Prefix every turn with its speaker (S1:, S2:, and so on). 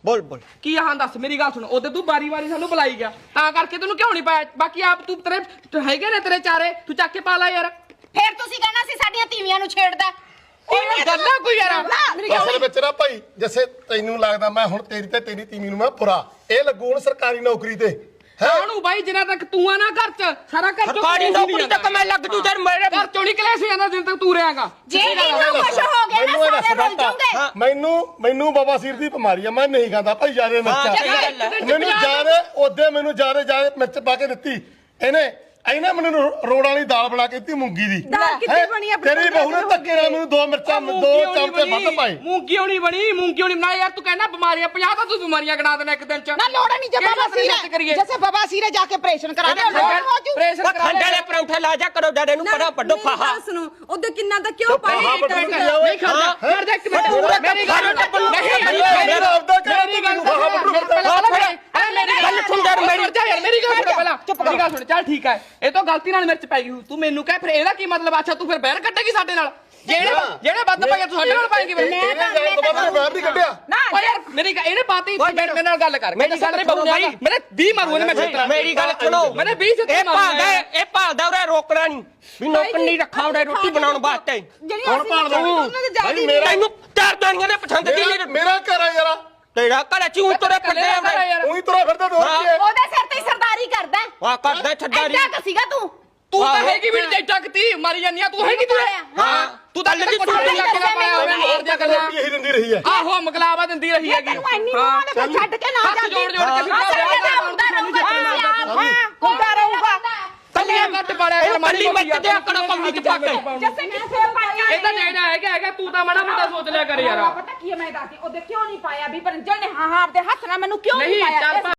S1: बोल बोल
S2: की हाँ दस मेरी गल सुन ओदे तू बारी बारी सानू बुलाई गया ता करके तेनू क्यों नहीं पाया बाकी आप तू तेरे हैगे ने तेरे चारे तू चक के पा ला यार
S3: ਫੇਰ ਤੁਸੀਂ ਕਹਿਣਾ ਸੀ ਸਾਡੀਆਂ ਤੀਵੀਆਂ ਨੂੰ ਛੇੜਦਾ
S2: गल्ला कोई यार
S4: ਅਸਲ ਵਿੱਚ ਨਾ ਭਾਈ ਜਿਵੇਂ ਤੈਨੂੰ ਲੱਗਦਾ ਮੈਂ ਹੁਣ ਤੇਰੀ ਤੇ ਤੇਰੀ ਤੀਵੀਂ ਨੂੰ ਮੈਂ ਪੁਰਾ ਇਹ ਲੱਗੂ ਹੁਣ ਸਰਕਾਰੀ ਨੌਕਰੀ ਤੇ
S2: ਕਾਹਨੂੰ ਬਾਈ ਜਿੰਨਾ ਤੱਕ ਤੂੰ ਆ ਨਾ ਘਰ ਚ ਸਾਰਾ ਘਰ ਚੋਂ
S1: सरकारी नौकरी तक मैं लग जू जर मेरे
S2: ਘਰ ਚੋਂ ਨਹੀਂ ਕਲੇਸ਼ ਜਾਂਦਾ ਜਿੰਨ ਤੱਕ ਤੂੰ ਰਹੇਗਾ
S3: ਜੇ ਇਹਨੂੰ ਕੁਛ ਹੋ ਗਿਆ ਨਾ ਸਾਰੇ ਰੁੱਲ ਜਾਓਗੇ
S4: ਮੈਨੂੰ ਬਵਾਸੀਰ ਦੀ ਬਿਮਾਰੀ ਆ ਮੈਂ ਨਹੀਂ ਖਾਂਦਾ ਭਾਈ ਜ਼ਿਆਦਾ ਮਿਰਚ ਮੈਨੂੰ ਜ਼ਿਆਦਾ ਉਹਦੇ ਮੈਨੂੰ ਜ਼ਿਆਦਾ ਮਿਰਚ ਪਾ ਕੇ ਦਿੱਤੀ ਇਹਨੇ ਮੈਨੂੰ ਰੋੜਾਂ ਵਾਲੀ ਦਾਲ ਬਣਾ ਕੇ ਦਿੱਤੀ ਮੂੰਗੀ ਦੀ
S3: ਦਾਲ ਕਿੱਥੇ ਬਣੀ ਆ
S4: ਤੇਰੀ ਬਹੂ ਨੇ ਧੱਕੇ ਨਾਲ ਮੈਨੂੰ 2 ਮਿਰਚਾਂ 2 ਚਮਚੇ ਵੱਧ ਪਾਏ
S2: ਮੂੰਗੀ ਹੋਣੀ ਬਣੀ ਮੂੰਗੀ ਹੋਣੀ ਬਣਾ ਯਾਰ ਤੂੰ ਕਹਿੰਦਾ ਬਿਮਾਰੀਆਂ 50 ਤਾਂ ਤੂੰ ਬਿਮਾਰੀਆਂ ਗਣਾ ਦੇਣਾ ਇੱਕ ਦਿਨ ਚ
S3: ਨਾ ਲੋੜ ਨਹੀਂ ਜਬ ਬਵਾਸੀਰ जैसे बवासीर जाके ऑपरेशन करा दे
S2: ਪ੍ਰੈਸ਼ਰ ਕਰਾ
S1: खंडे ले परौठे ला जा करो डरे नु पड़ा पड्डो फाहा
S5: सुनो ओदे किन्ना दा क्यों पाया
S2: ਨਹੀਂ ਖੜਦਾ ਕਰ ਦੇ ਇੱਕ ਮਿੰਟ ਮੇਰੀ ਗੱਲ
S4: ਮੇਰਾ ਆਪਦਾ
S2: ਮੇਰੀ ਗੱਲ ਮੇਰੀ ਗੱਲ ਸੁਣ ਪਹਿਲਾਂ ਮੇਰੀ ਗੱਲ ਸੁਣ ਚੱਲ ਠੀਕ ਹੈ ਇਹ ਤਾਂ ਗਲਤੀ ਨਾਲ ਮਿਰਚ ਪੈ ਗਈ ਤੂੰ ਮੈਨੂੰ ਕਹਿ ਫਿਰ ਇਹਦਾ ਕੀ ਮਤਲਬ ਅੱਛਾ ਤੂੰ ਫਿਰ ਬਹਿਰ ਕੱਢੇਗੀ ਸਾਡੇ ਨਾਲ ਜਿਹੜੇ ਵੱਧ ਪਏ ਤੂੰ ਸਾਡੇ ਨਾਲ ਪਾਏਗੀ ਫਿਰ
S4: ਇਹਨੇ ਜਾਣ ਤੋਂ ਬਾਅਦ ਮੈਂ ਬਾਹਰ ਨਹੀਂ ਕੱਢਿਆ
S2: ਓ ਯਾਰ ਮੇਰੀ ਇਹਨੇ ਬਾਤੀ ਮੇਰੇ ਨਾਲ ਗੱਲ ਕਰ ਮੇਰੀ ਗੱਲ ਨਹੀਂ ਬੋਲਣਾ ਮੇਰੇ 20 ਮਾਰੂ ਨੇ ਮੈਂ ਛੇਤਰਾ
S1: मेरी गल सुनो
S2: मैंने 20 से
S1: ए भालदा उरे रोकना नहीं भी नौकर नहीं रखा उरे रोटी बनाउण वास्ते
S4: ਕੌਣ ਭਾਲਦਾ ਭਾਈ ਮੇਰਾ
S1: तैनू चार दानियां ने पसंद की
S4: ਮੇਰਾ ਘਰ ਆ ਯਾਰ
S1: तेरा घर चूं तोरे पड़े आ
S4: ਉਹੀ ਤੁਰਾ ਫਿਰਦਾ ਤੂੰ
S3: ਉਹਦੇ ਸਿਰ ਤੇ ਸਰਦਾਰੀ ਕਰਦਾ
S1: वाह करदा छड्डारी
S3: ਐਡਾ ਕਸੀਗਾ ਤੂੰ
S2: ਤੂੰ ਤਾਂ ਹੈਗੀ ਵੀ ਨਹੀਂ ਟੱਕਤੀ ਮਾਰੀ ਜਾਂਦੀ ਆ ਤੂੰ ਹੈਗੀ ਤੂੰ
S1: हां
S2: ਤੂੰ ਤਾਂ ਲੱਗੀ ਤੂੰ ਲੱਗ ਕੇ ਪਾਇਆ ਹੋਵੇ ਮਾਰ ਦਿਆ ਗੱਲਾਂ
S4: ਇਹੀ ਦਿੰਦੀ ਰਹੀ ਹੈ
S2: ਆਹੋ ਮਗਲਾਵਾ ਦਿੰਦੀ ਰਹੀ ਹੈਗੀ
S3: ਤੈਨੂੰ ਇੰਨੀ ਮਾਂ ਨੇ ਛੱਡ ਕੇ ਨਾ
S2: ਹੱਥ ਜੋੜ ਜੋੜ ਕੇ
S3: ਹੁੰਦਾ ਰਹੂਗਾ ਹੁੰਦਾ ਰਹੂਗਾ
S2: ਕੱਲੀਆਂ ਕੱਟ ਪਾੜਿਆ ਕਰ ਮਾਰੀ
S1: मैं ते आकड़ा कमली च पाके
S3: ਜੱਸੇ ਕਿੱਥੇ ਪਾਇਆ
S2: ਇਹ ਤਾਂ ਜਿਹੜਾ ਹੈਗਾ ਤੂੰ ਤਾਂ ਮਾੜਾ ਮੋਟਾ ਸੋਚ ਲਿਆ ਕਰ ਯਾਰ
S3: ਪਤਾ ਕੀ ਮੈਂ ਦੱਸਦੀ ਉਹਦੇ ਕਿਉਂ ਨਹੀਂ ਪਾਇਆ ਵੀ ਪਰੰਜਲ ਨੇ ਹਾਂ ਆਪਦੇ ਹੱਥ ਨਾਲ ਮੈਨੂੰ ਕਿਉਂ ਨਹੀਂ
S2: ਨਹੀਂ
S3: ਪਾਇਆ
S2: ਚੱਲ